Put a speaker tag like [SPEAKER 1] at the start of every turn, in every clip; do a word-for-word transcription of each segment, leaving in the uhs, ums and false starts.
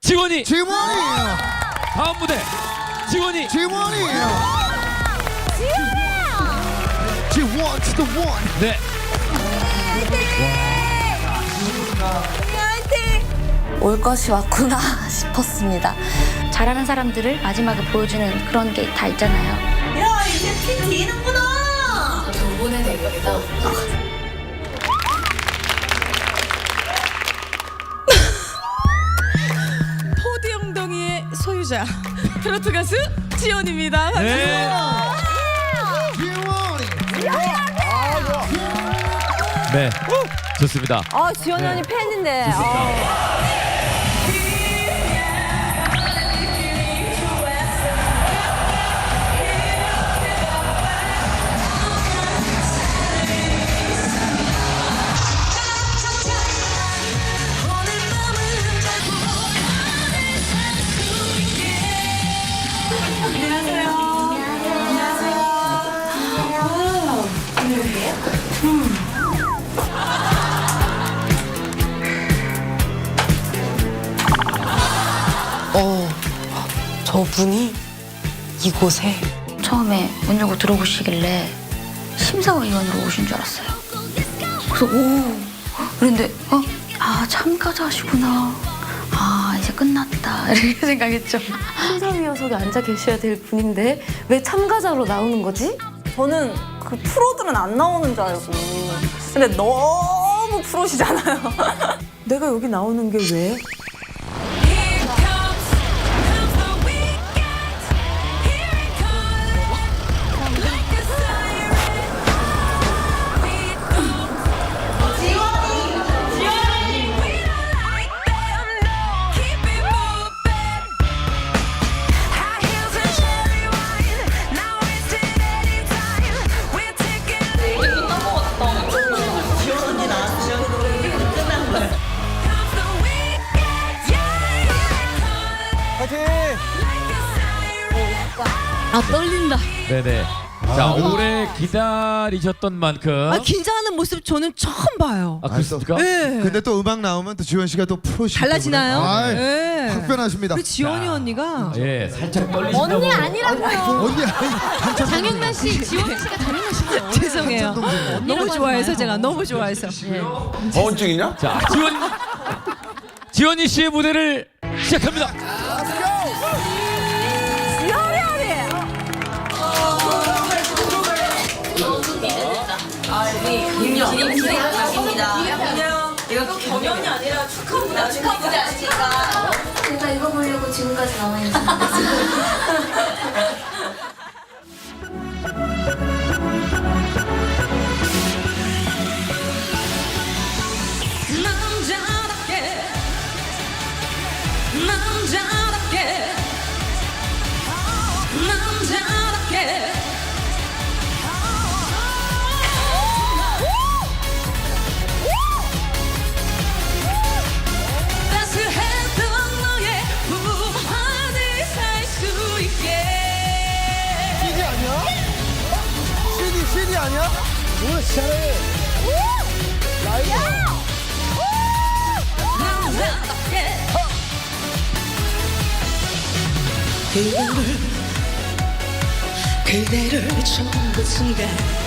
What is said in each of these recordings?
[SPEAKER 1] 지원이.
[SPEAKER 2] 지원이.
[SPEAKER 1] 다음 무대 지원이.
[SPEAKER 2] 지원이. 지원 to the one.
[SPEAKER 1] 네.
[SPEAKER 3] 올 것이 왔구나 싶었습니다.
[SPEAKER 4] 잘하는 사람들을 마지막에 보여주는 그런 게 다 있잖아요.
[SPEAKER 5] 야, 이제 피 뒤는구나.
[SPEAKER 3] 두 분의 대결이다.
[SPEAKER 5] 포디 엉덩이의 소유자 트로트 가수 지원입니다.
[SPEAKER 1] 네.
[SPEAKER 2] 지원이.
[SPEAKER 1] 네. 좋습니다.
[SPEAKER 3] 아, 지원 언니 팬인데.
[SPEAKER 6] 어, 저분이 이곳에
[SPEAKER 4] 처음에 문 열고 들어오시길래 심사위원으로 오신 줄 알았어요. 그래서 오 그런데 어? 아 참가자시구나. 아 이제 끝났다 이렇게 생각했죠.
[SPEAKER 3] 심사위원석에 앉아 계셔야 될 분인데 왜 참가자로 나오는 거지?
[SPEAKER 7] 저는 그 프로들은 안 나오는 줄 알고. 근데 너무 프로시잖아요.
[SPEAKER 6] 내가 여기 나오는 게 왜?
[SPEAKER 5] 아 떨린다.
[SPEAKER 1] 네네. 자 오래 기다리셨던 만큼.
[SPEAKER 5] 아 긴장하는 모습 저는 처음 봐요.
[SPEAKER 1] 아 그렇습니까?
[SPEAKER 5] 네.
[SPEAKER 2] 근데 또 음악 나오면 또 지원 씨가 또 프로시기
[SPEAKER 5] 달라지나요?
[SPEAKER 2] 때문에.
[SPEAKER 5] 네.
[SPEAKER 2] 확변하십니다.
[SPEAKER 5] 우리 지원이 언니가
[SPEAKER 1] 예, 살짝 떨리신다고.
[SPEAKER 3] 언니 아니라고요.
[SPEAKER 2] 언니 아니
[SPEAKER 4] 장영란 씨, 지원 씨가 장영란 씨죠.
[SPEAKER 5] 죄송해요. 너무 좋아해서 제가 너무 좋아해서.
[SPEAKER 8] 보온증이냐?
[SPEAKER 1] 자 지원 지원이 씨의 무대를 시작합니다.
[SPEAKER 4] 제가 이거 보려고 지금까지 나와 있는
[SPEAKER 5] 남자답게 남자답게 남자답게 따스했던 너의 품 안에 살 수 있게
[SPEAKER 2] 씨디 아니야? 씨디 씨디 아니야? 뭐야 잘해. 라이브.
[SPEAKER 5] 남자답게
[SPEAKER 6] 그대를 그대를 처음 본 순간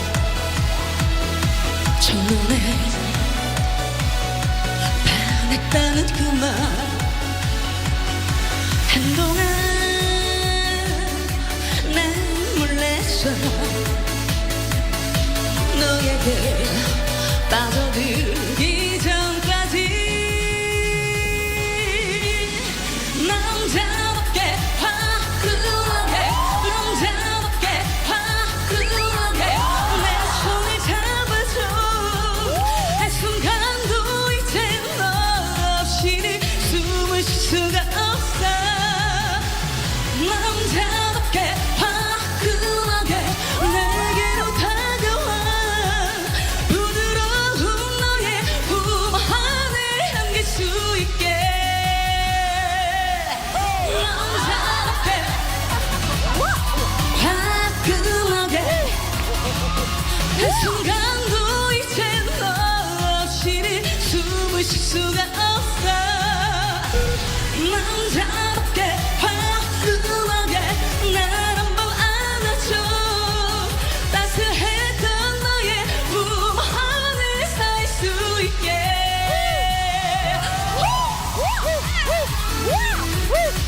[SPEAKER 6] 첫눈에 반했다는 그 말 한동안 난 몰랐어 너에게 빠져들기 전까지 남자답게 화끈하게 남자답게 화끈하게 내 손을 잡아줘 한순간도 이제 너 없이는 숨을 쉴 수가 없어 남자답게 화끈하게 내게로 다가와 부드러운 너의 품 안에 안길 수 있게 남자답게 화끈하게 한순간도 이제 너 없이는 숨을 쉴 수가 없어 남자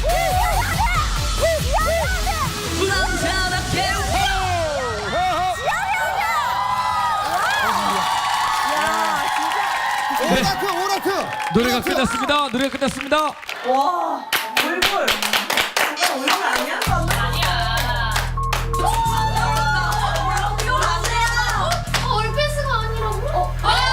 [SPEAKER 5] 남자답게
[SPEAKER 2] 오라트 오라트.
[SPEAKER 1] 노래가
[SPEAKER 2] 오라트.
[SPEAKER 1] 끝났습니다. 노래가 끝났습니다.
[SPEAKER 7] 와, 얼굴. 이거 얼굴 아니야?
[SPEAKER 3] 얼패스가 아니라고?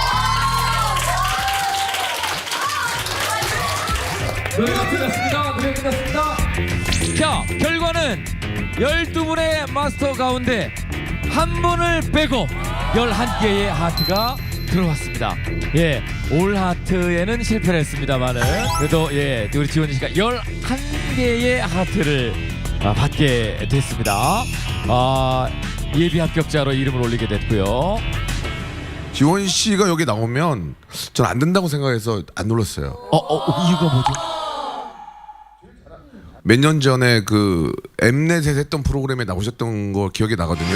[SPEAKER 1] 노래가 끝났습니다. 노래가 끝났습니다. 자, 결과는 열두 분의 마스터 가운데 한 분을 빼고 열한 개의 하트가 들어왔습니다. 예, 올 하트에는 실패를 했습니다만은 그래도 예, 우리 지원이 씨가 열한 개의 하트를 아, 받게 됐습니다. 아, 예비 합격자로 이름을 올리게 됐고요.
[SPEAKER 8] 지원 씨가 여기 나오면 전 안 된다고 생각해서 안 눌렀어요.
[SPEAKER 1] 어, 어, 이유가 뭐죠?
[SPEAKER 8] 몇 년 전에 그 엠넷에 했던 프로그램에 나오셨던 거 기억이 나거든요.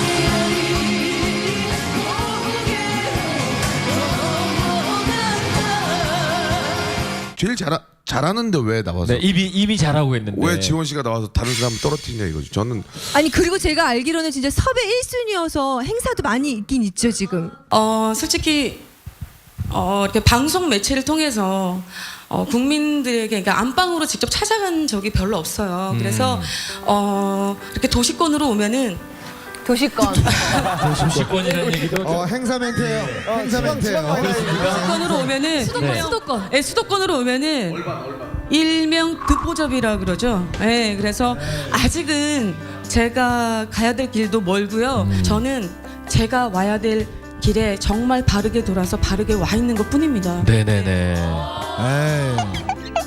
[SPEAKER 8] 제일 잘 잘하는데 왜 나와서
[SPEAKER 1] 네, 이미 이미 잘하고 있는데
[SPEAKER 8] 왜 지원 씨가 나와서 다른 사람 떨어뜨리냐 이거죠. 저는
[SPEAKER 6] 아니 그리고 제가 알기로는 진짜 섭외 일 순위여서 행사도 많이 있긴 있죠 지금.
[SPEAKER 5] 어 솔직히 어 이렇게 방송 매체를 통해서 어 국민들에게 그러니까 안방으로 직접 찾아간 적이 별로 없어요. 그래서 어 이렇게 도시권으로 오면은
[SPEAKER 7] 도시권.
[SPEAKER 1] 도시권이라는 얘기도
[SPEAKER 2] 어 행사 멘트예요. 행사 멘트예요.
[SPEAKER 5] 수도권으로 오면은
[SPEAKER 3] 수도권,
[SPEAKER 1] 네.
[SPEAKER 3] 수도권.
[SPEAKER 5] 네, 수도권으로 오면은 일명 듣보잡이라 그러죠. 네, 그래서 아직은 제가 가야 될 길도 멀고요. 저는 제가 와야 될 길에 정말 바르게 돌아서 바르게 와 있는 것 뿐입니다.
[SPEAKER 1] 네네네.
[SPEAKER 2] 에이.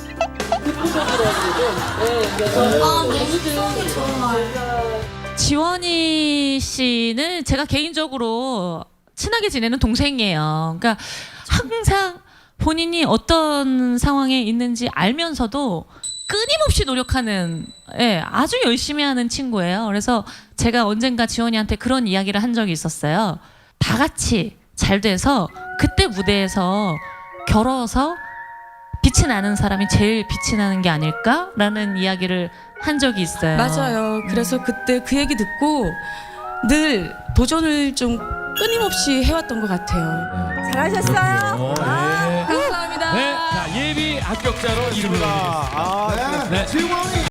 [SPEAKER 9] 지원이 씨는 제가 개인적으로 친하게 지내는 동생이에요. 그러니까 항상 본인이 어떤 상황에 있는지 알면서도 끊임없이 노력하는, 예, 아주 열심히 하는 친구예요. 그래서 제가 언젠가 지원이한테 그런 이야기를 한 적이 있었어요. 다 같이 잘 돼서 그때 무대에서 겨뤄서 빛이 나는 사람이 제일 빛이 나는 게 아닐까라는 이야기를 한 적이 있어요.
[SPEAKER 5] 맞아요. 그래서 그때 그 얘기 듣고 늘 도전을 좀 끊임없이 해왔던 것 같아요.
[SPEAKER 7] 잘하셨어요.
[SPEAKER 1] 어, 네.
[SPEAKER 5] 감사합니다.
[SPEAKER 1] 네, 자, 예비 합격자로 이름을 올리겠습니다.
[SPEAKER 2] 아, 네.
[SPEAKER 1] 네.
[SPEAKER 2] 지원이